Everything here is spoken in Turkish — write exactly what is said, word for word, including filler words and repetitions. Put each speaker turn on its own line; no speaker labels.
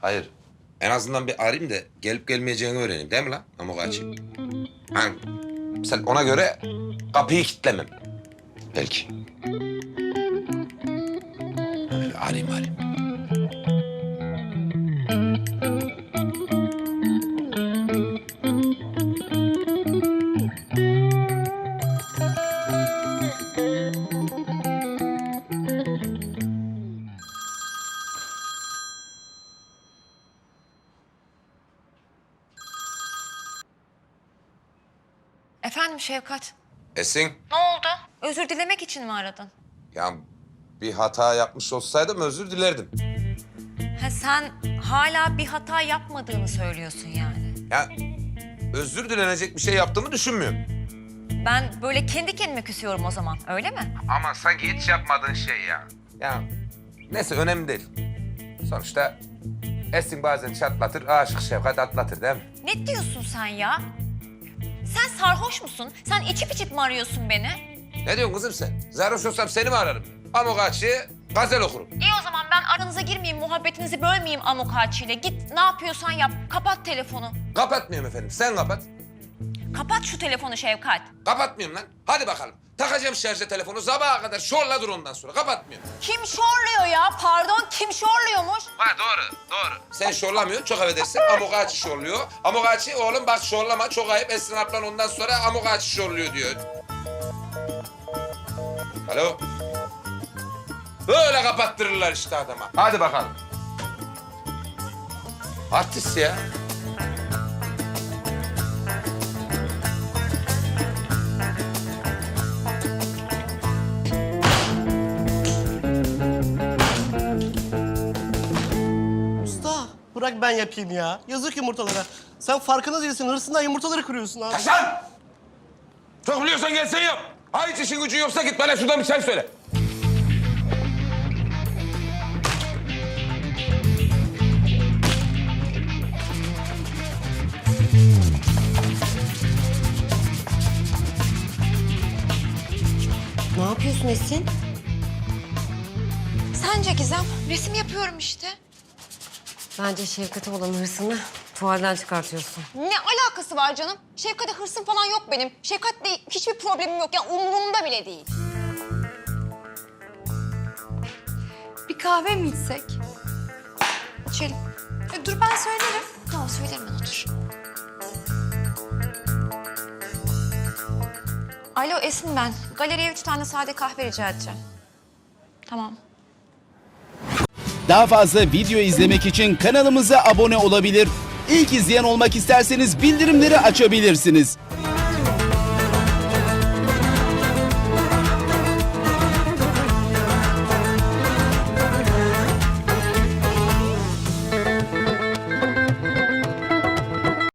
Hayır. En azından bir arayayım da gelip gelmeyeceğini öğreneyim değil mi lan Amokachi? Ha, sen ona göre kapıyı kilitlemem. Belki. Öyle arayayım arayayım.
Efendim Şevkat.
Esin,
Ne oldu? Özür dilemek için mi aradın?
ya bir hata yapmış olsaydım özür dilerdim.
Ha, sen hala bir hata yapmadığını söylüyorsun yani.
Ya özür dilenecek bir şey yaptığımı düşünmüyorum.
Ben böyle kendi kendime küsüyorum o zaman, öyle mi?
Ama sanki hiç yapmadığın şey ya. Ya neyse önemli değil. Sonuçta Esin bazen çatlatır, aşık Şevkat atlatır değil mi?
Ne diyorsun sen ya? Sen sarhoş musun? Sen içip içip mi arıyorsun beni?
Ne diyorsun kızım sen? Sarhoş olsam seni mi ararım? Amokachi'ye gazel okurum.
İyi o zaman ben aranıza girmeyeyim, muhabbetinizi bölmeyeyim Amokachi ile. Git ne yapıyorsan yap, kapat telefonu.
Kapatmıyorum efendim, sen kapat.
Kapat şu telefonu Şevkat.
Kapatmıyorum lan. Hadi bakalım. Takacağım şarja telefonu sabaha kadar şorla dur ondan sonra. Kapatmıyorum.
Kim şorluyor ya? Pardon, kim şorluyormuş?
Ha doğru, doğru. Sen şorlamıyorsun, çok affedersin. Amokachi şorluyor. Amokachi oğlum bak şorlama, çok ayıp. Esin ablan ondan sonra Amokachi şorluyor diyor. Alo? Böyle kapattırırlar işte adama. Hadi bakalım. Artist ya.
Usta bırak ben yapayım ya. Yazık yumurtalara. Sen farkında değilsin. Hırsından yumurtaları kırıyorsun abi.
Hasan! Çok biliyorsan gel sen yap. Ha hiç işin gücün yoksa git bana şuradan bir çay söyle.
Ne yapıyorsun Esin? Sence Gizem? Resim yapıyorum işte.
Bence Şevkat'e olan hırsını tuvalden çıkartıyorsun.
Ne alakası var canım? Şefkat'e hırsım falan yok benim. Şefkat'le hiçbir problemim yok. Yani umurumda bile değil.
Bir kahve mi içsek?
İçelim.
E, dur ben söylerim.
Tamam söylerim ben otur.
Alo Esin ben. Galeriye üç tane sade kahve rica edeceğim. Tamam.
Daha fazla video izlemek için kanalımıza abone olabilir. İlk izleyen olmak isterseniz bildirimleri açabilirsiniz.